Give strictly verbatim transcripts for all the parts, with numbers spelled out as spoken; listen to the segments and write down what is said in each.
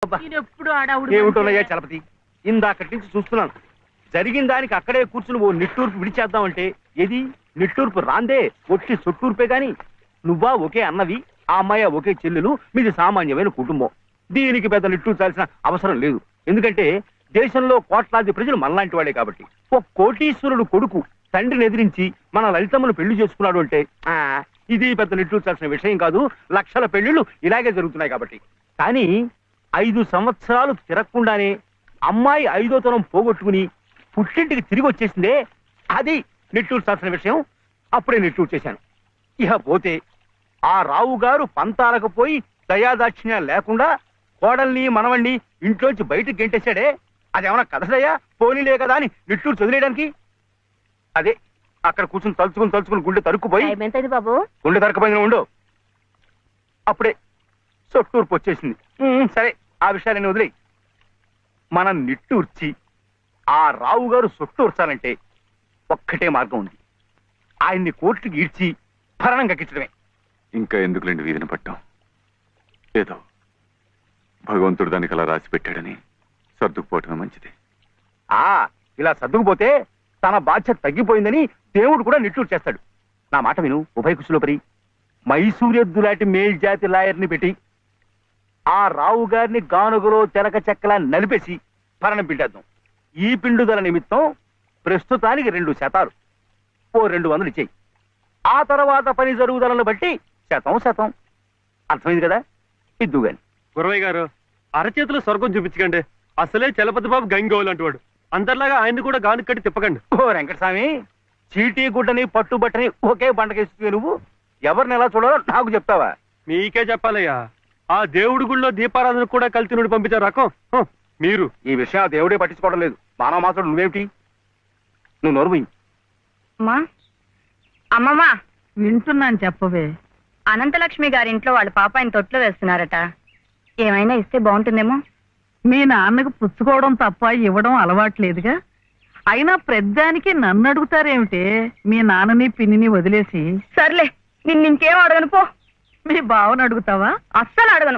ఏమిటోనయ్యా చలపతి, ఇందాకటి నుంచి చూస్తున్నాను. జరిగిన దానికి అక్కడే కూర్చుని ఓ నిట్టూర్పు విడిచేద్దామంటే ఏది నిట్టూర్పు రాందే, ఒట్టి సొట్టూర్పే గాని. నువ్వా ఒకే అన్నవి, ఆ అమ్మాయి ఒకే చెల్లెలు, మీది సామాన్యమైన కుటుంబం. దీనికి పెద్ద నిట్టూర్చాల్సిన అవసరం లేదు. ఎందుకంటే దేశంలో కోట్లాది ప్రజలు మనలాంటి వాడే కాబట్టి. ఒక కోటీశ్వరుడు కొడుకు తండ్రిని ఎదిరించి మన లలితమ్మను పెళ్లి చేసుకున్నాడు అంటే ఆ ఇది పెద్ద నిట్టూర్చాల్సిన విషయం కాదు. లక్షల పెళ్లిళ్ళు ఇలాగే జరుగుతున్నాయి కాబట్టి. కానీ ఐదు సంవత్సరాలు తిరగకుండానే అమ్మాయి ఐదో తరం పోగొట్టుకుని పుట్టింటికి తిరిగి వచ్చేసిందే, అది నిట్టూర్చాల్సిన విషయం. అప్పుడే నిట్టూరు చేశాను. ఇక పోతే ఆ రావు గారు పంతాలకు పోయి దయాదాక్షిణ్య లేకుండా కోడల్ని మనవణ్ణి ఇంట్లోంచి బయటకు గెంటేశాడే, అదేమన్నా కథదయ్యా? పోనీలే కదా అని నిట్టూరు చదివేయడానికి. అదే అక్కడ కూర్చుని తలుచుకుని తలుచుకుని గుండె తరుక్కుపోయి బాబు గుండె తరకపోయిన ఉండు. అప్పుడే సొట్టూర్పు వచ్చేసింది. సరే, ఆ విషయాన్ని వదిలే. మనం నిట్టూర్చి ఆ రావు గారు సొట్టూర్చాలంటే ఒక్కటే మార్గం ఉంది. ఆయన్ని కోర్టుకి ఈడ్చి భరణం కక్కించడమే. ఇంకా ఎందుకులేండి వీధిని పట్టాం? ఏదో భగవంతుడు దానికి అలా రాసి పెట్టాడని సర్దుకుపోవటం మంచిది. ఆ ఇలా సర్దుకుపోతే తన బాధ్యత తగ్గిపోయిందని దేవుడు కూడా నిట్టూరు చేస్తాడు. నా మాట విను ఉభయ కుశలోపరి. మైసూరెద్దు లాంటి మేల్జాతి లాయర్ని పెట్టి ఆ రావు గారిని గానుగలో తెలక చెక్కలా నలిపేసి భరణం పిండేద్దాం. ఈ పిండుదల నిమిత్తం ప్రస్తుతానికి రెండు శాతాలు ఓ రెండు వందలు ఇచ్చేయి. ఆ తర్వాత పని జరుగుదలను బట్టి శతం శతం. అర్థమైంది కదా? ఇద్దు గాని. గురవయ్య గారు, అరచేతులు స్వర్గం చూపించకండి. అసలే చలపతి బాబు గంగోలు అంటువాడు. అందరిలాగా ఆయన కూడా గాను కట్టి తిప్పకండి. ఓ వెంకటస్వామి, చీటీ గుడ్డని పట్టుబట్టని ఒకే బండకేస్తుంది. నువ్వు ఎవరిని ఎలా చూడాలో నాకు చెప్తావా? మీకే చెప్పాలయ్యా. ఆ దేవుడి గుళ్ళో దీపారాధన కూడా కలిసి నుండి పంపించారు రకం మీరు. ఈ విషయం ఆ దేవుడే పట్టించుకోవడం లేదు. మానవ మాత్రం నువ్వేమిటి? నువ్వు నోరు పోయి. అమ్మమ్మా, వింటున్నాను, చెప్పవే. అనంతలక్ష్మి గారింట్లో వాళ్ళ పాప ఆయన తొట్లో వేస్తున్నారట. ఏమైనా ఇస్తే బాగుంటుందేమో. మీ నాన్నకు పుచ్చుకోవడం తప్ప ఇవ్వడం అలవాట్లేదుగా. అయినా ప్రద్దానికి నన్ను అడుగుతారేమిటే? మీ నాన్నని పిన్నిని వదిలేసి. సర్లే, నిన్ను ఇంకేం అడగను పో. మీ బావను అడుగుతావా? అస్సలు అడగను.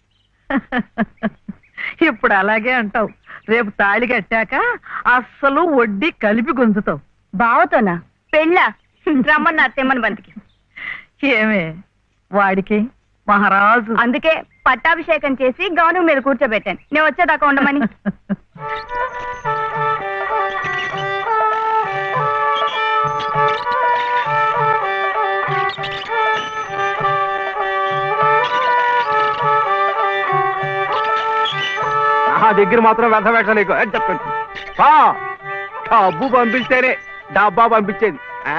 ఇప్పుడు అలాగే అంటావు. రేపు తాళి కట్టాక అస్సలు వడ్డీ కలిపి గుంజుతావు. బావతోనా? పెళ్ళా? రమ్మన్నా తెమ్మని బంతికి. ఏమే వాడికి మహారాజు. అందుకే పట్టాభిషేకం చేసి గౌను మీద కూర్చోబెట్టాను. నేను వచ్చేదాకా ఉండమని. నా దగ్గర మాత్రం వ్యర్థ వేషాలు చెప్పండి. డబ్బు పంపిస్తేనే డబ్బా పంపించేది.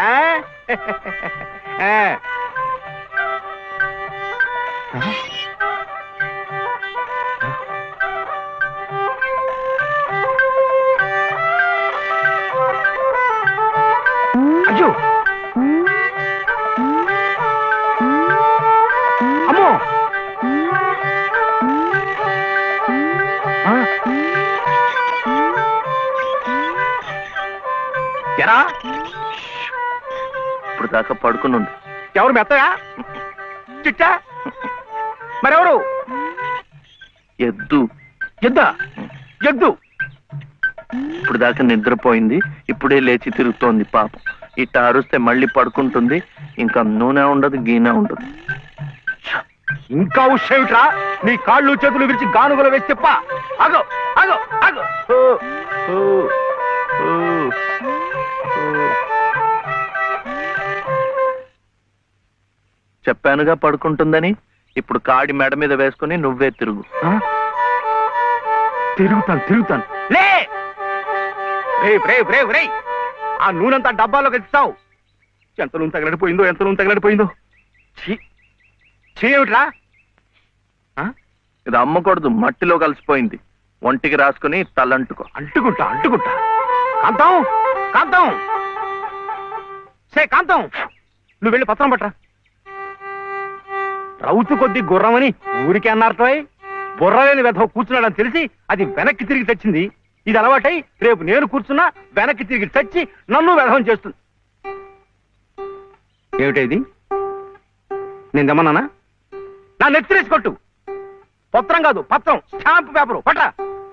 అయ్యో అమ్మో, ఎరా ఇప్పుడు దాకా పడుకుని ఉంది. ఎవరు మెత్తగా? చిట్టా? మరెవరు? ఎద్దు. ఎద్దా? ఎద్దు ఇప్పుడు దాకా నిద్రపోయింది, ఇప్పుడే లేచి తిరుగుతోంది పాపం. ఇట్ట అరుస్తే మళ్ళీ పడుకుంటుంది. ఇంకా నూనె ఉండదు, గీనె ఉండదు. ఇంకా ఉషేమిట్రా? నీ కాళ్ళు చేతులు విరిచి గానుగలు వేసి చెప్పా. అగో అగో అగో. చెప్పానుగా పడుకుంటుందని. ఇప్పుడు కాడి మెడ మీద వేసుకుని నువ్వే తిరుగు. తిరుగుతాను తిరుగుతాను. లే రేవ్ రేవ్ రేయ్, ఆ నూనెంతా డబ్బాలోకి ఎత్తావు. ఎంత నూనె తగలడిపోయిందో, ఎంత నూనె తగలడిపోయిందో. చేయమిట్రా? ఇది అమ్మకూడదు, మట్టిలో కలిసిపోయింది. ఒంటికి రాసుకుని తలంటుకో. అంటుకుంటా అంటుకుంటా. కాంతం కాంతం సే కాంతం, నువ్వు వెళ్ళి పత్రం పట్టరా. రౌతు కొద్ది గుర్రమని ఊరికే అన్నారటో. బుర్రలేని వెధవ కూర్చున్నాడని తెలిసి అది వెనక్కి తిరిగి తెచ్చింది. ఇది అలవాటై రేపు నేను కూర్చున్నా వెనక్కి తిరిగి తెచ్చి నన్ను వెధవం చేస్తుంది. ఏమిటా ఇది? నేను దమ్మన్నానా? నా నెత్తిరేసి కొట్టు. పత్రం కాదు పత్రం, స్టాంప్ పేపరు పట్రా.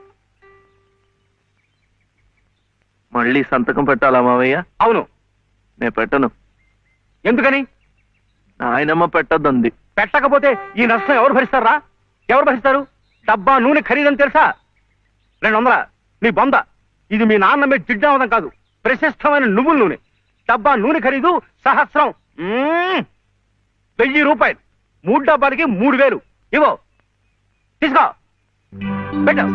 మళ్ళీ సంతకం పెట్టాలా మావయ్య? అవును. నేను పెట్టను. ఎందుకని? నాయనమ్మ పెట్టద్దంది. పెట్టకపోతే ఈ నష్టం ఎవరు భరిస్తారా? ఎవరు భరిస్తారు? డబ్బా నూనె ఖరీదని తెలుసా? రెండు వందల నీ బొంద. ఇది మీ నాన్న మీద జిడ్డావదం కాదు, ప్రశస్తమైన నువ్వుల నూనె. డబ్బా నూనె ఖరీదు సహస్రం. మ్మ్. వెయ్యి రూపాయలు. మూడు డబ్బాలకి మూడు వేలు. ఇవో తీసుకో, పెట్టు.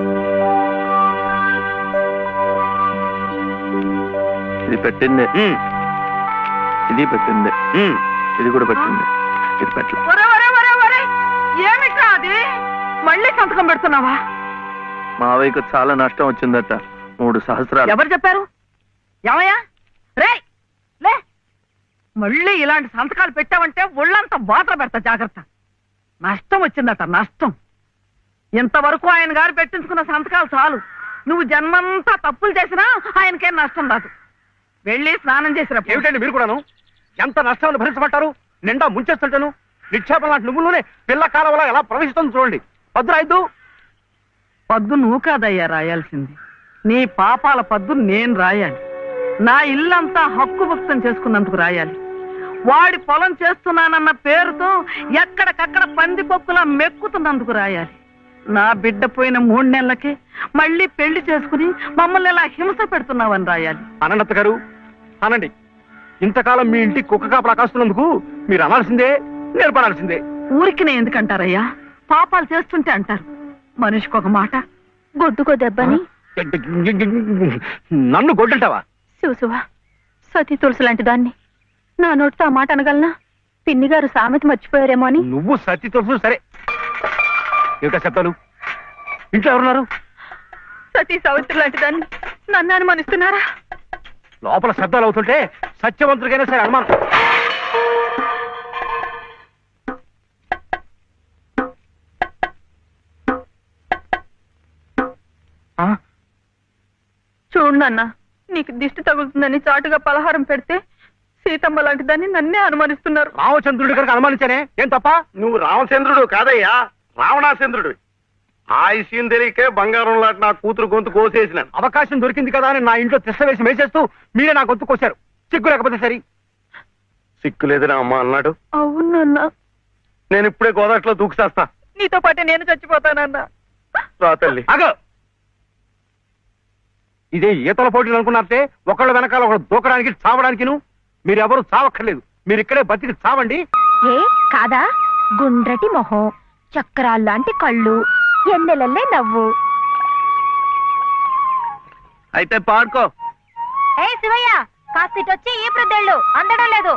ఇది పెట్టిందే, మ్మ్. ఇది పెట్టిందే, మ్మ్. ఇది కూడా పెట్టింది. ఇది పెట్టలే. ఒరే ఒరే ఒరే ఒరే ఏమిట్రా అది? మళ్ళీ సంతకం పెడుతున్నావా? మావయ్యకు చాలా నష్టం వచ్చిందట, మూడు సహస్రాలు. ఎవరు చెప్పారు? ఏమయ్యా రే లే, మళ్ళీ ఇలాంటి సంతకాలు పెట్టావంటే ఒళ్ళంతా బాధలు పెడతా, జాగ్రత్త. నష్టం వచ్చిందట, నష్టం. ఇంతవరకు ఆయన గారు పెట్టించుకున్న సంతకాలు చాలు. నువ్వు జన్మంతా తప్పులు చేసినా ఆయనకేం నష్టం రాదు. వెళ్ళి స్నానం చేసినప్పుడు ఏమిటండి మీరు కూడాను? ఎంత నష్టాన్ని భరించబట్టారు? నిండా ముంచేస్తుంటాను. నిక్షేపం లాంటి నువ్వులోనే పిల్ల కాలంలో ఎలా ప్రవేశిస్తుంది చూడండి. భద్రాయిద్దు. పద్దు నువ్వు కాదయ్యా రాయాల్సింది, నీ పాపాల పద్దు నేను రాయాలి. నా ఇల్లంతా హక్కు భక్తం చేసుకున్నందుకు రాయాలి. వాడి పొలం చేస్తున్నానన్న పేరుతో ఎక్కడికక్కడ పందిపొక్కులా మెక్కుతున్నందుకు రాయాలి. నా బిడ్డ పోయిన మూడు నెలలకే మళ్ళీ పెళ్లి చేసుకుని మమ్మల్ని ఎలా హింస పెడుతున్నావని రాయాలి. అనంత గారు అనండి. ఇంతకాలం మీ ఇంటికి కుక్క కాపలా కాస్తున్నందుకు మీరు అనాల్సిందే, నేర్పడాల్సిందే. ఊరికి నేను ఎందుకంటారయ్యా? పాపాలు చేస్తుంటే అంటారు. మనిషికి ఒక మాట. గొడ్డుకో దెబ్బని నన్ను గొడ్డంటావా? చూసువా, సతీ తులసి లాంటి దాన్ని నా నోటితో ఆ మాట అనగలనా? పిన్ని గారు సామెత మర్చిపోయారేమో అని. నువ్వు సత్తి తెలుసు సరే. ఏమిటా శబ్దాలు? ఇంట్లో ఎవరున్నారు? సతీ సావిత్రి లాంటి దాన్ని నన్ను అనుమానిస్తున్నారా? లోపల శబ్దాలు అవుతుంటే సత్యవంతుడికైనా సరే అనుమానం. చూడు నాన్న, నీకు దిష్టి తగులుతుందని చాటుగా పలహారం పెడితే సీతమ్మ లాంటి దాన్ని నన్నే అనుమానిస్తున్నారు. రామచంద్రుడి కనుక అనుమానించానే, ఏం తప్ప? నువ్వు రామచంద్రుడు కాదయ్యా, రావణాచంద్రుడు. ఆ విషయం తెలియకే బంగారం లాంటి నా కూతురు గొంతు కోసేసినాను. అవకాశం దొరికింది కదా అని నా ఇంట్లో తిష్ట వేసి మేసేస్తూ మీరే నా గొంతు కోశారు. సిగ్గు లేకపోతే సరి. సిక్కు లేదని అమ్మ అన్నాడు. అవునన్నా, నేను ఇప్పుడే గోదాట్లో దూకుసేస్తా. నీతో పాటే నేను చచ్చిపోతానన్నా. రా తల్లి. అగో, ఇదే ఈతల పోటీలు అనుకున్నారంటే ఒకళ్ళ వెనకాల ఒకళ్ళు దూకడానికి చావడానికి మీరెవరు చావక్కర్లేదు. మీరు ఇక్కడే బతికి చావండి. ఏ కాదా? గుండ్రటి మొహం, చక్రాల్లాంటి కళ్ళు, ఎన్నెలల్లే నవ్వు. అయితే పాడుకో. ఏ శివయ్య, కాస్తిటొచ్చి ఈ ప్రద్దెళ్ళు అందడం లేదు.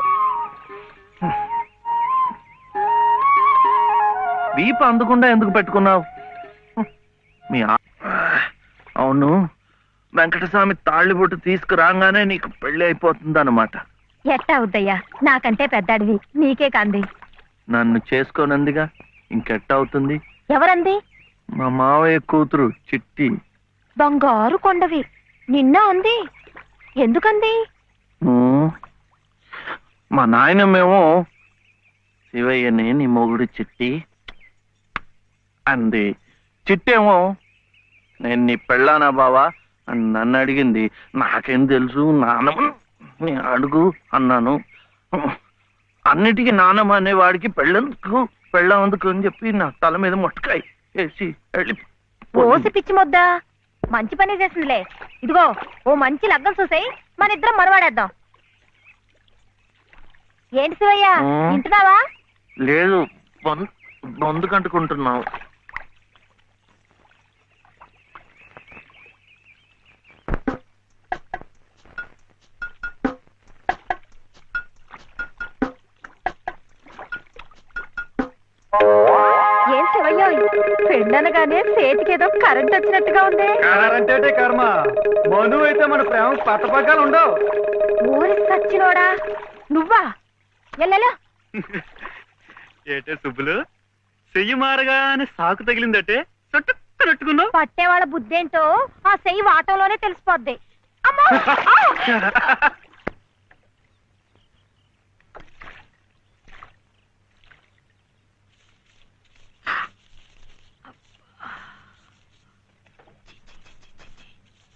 వీపు అందకుండా ఎందుకు పెట్టుకున్నావు? మీ ఆ- అవును, వెంకటస్వామి తాళ్ళిబొట్టు తీసుకురాగానే నీకు పెళ్లి అయిపోతుంది అన్నమాట. ఎట్టా అవుద్దయ్యా, నాకంటే పెద్దాడివి, నీకే కాంది. నన్ను చేసుకోనందిగా, ఇంకెట్ట అవుతుంది? ఎవరంది? మా మావయ్య కూతురు చిట్టి. బంగారు కొండవి, నిన్న అంది. ఎందుకంది? ఉమ్, మా నాయనమేమో శివయ్యని నీ మొగుడు చిట్టి అంది. చిట్టేమో నేను నీ పెళ్ళానా బావా అని నన్ను అడిగింది. నాకేం తెలుసు, నానమ్మ నీ అడుగు అన్నాను. అన్నిటికీ నానమ్మ అనేవాడికి పెళ్ళందుకు పెళ్ళందుకు అని చెప్పి నా తల మీద మొట్టకాయ వేసి వెళ్ళి ఓసి పిచ్చి మొద్దా, మంచి పని చేసిందిలే. ఇదిగో ఓ మంచి లగ్గం చూసాయి, మన ఇద్దరం మనవాడేద్దాం. ఏంటి శివయ్య, ఉమ్. వింటున్నావా? లేదు, బొందు బొందు కంటుకుంటున్నావు. ఏం శివయ్య, పెళ్ళనగానే చేతికేదో కరెంట్ వచ్చినట్టుగా ఉంది. అంటే కర్మ, మను అయితే మన ప్రేమ పట్టపగ్గాలు ఉండవు. ఊరి సచ్చినోడా నువ్వా? ఎల్లెలా ఏటే సుబ్బులు, చెయ్యి మారగానే సాకు తగిలిందటే చుట్టుకున్నట్టుకున్నావు. పట్టేవాళ్ళ బుద్ధేంటో ఆ సెయ్యి వాటంలోనే తెలిసిపోద్ది. అమ్మో! ఆ!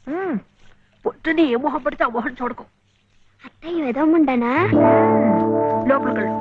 పొద్దుని ఏ మొహం పడితే ఆ మొహం చూడకు అత్తయ్య ఏదో ఉండనా లోపలికి వెళ్ళు.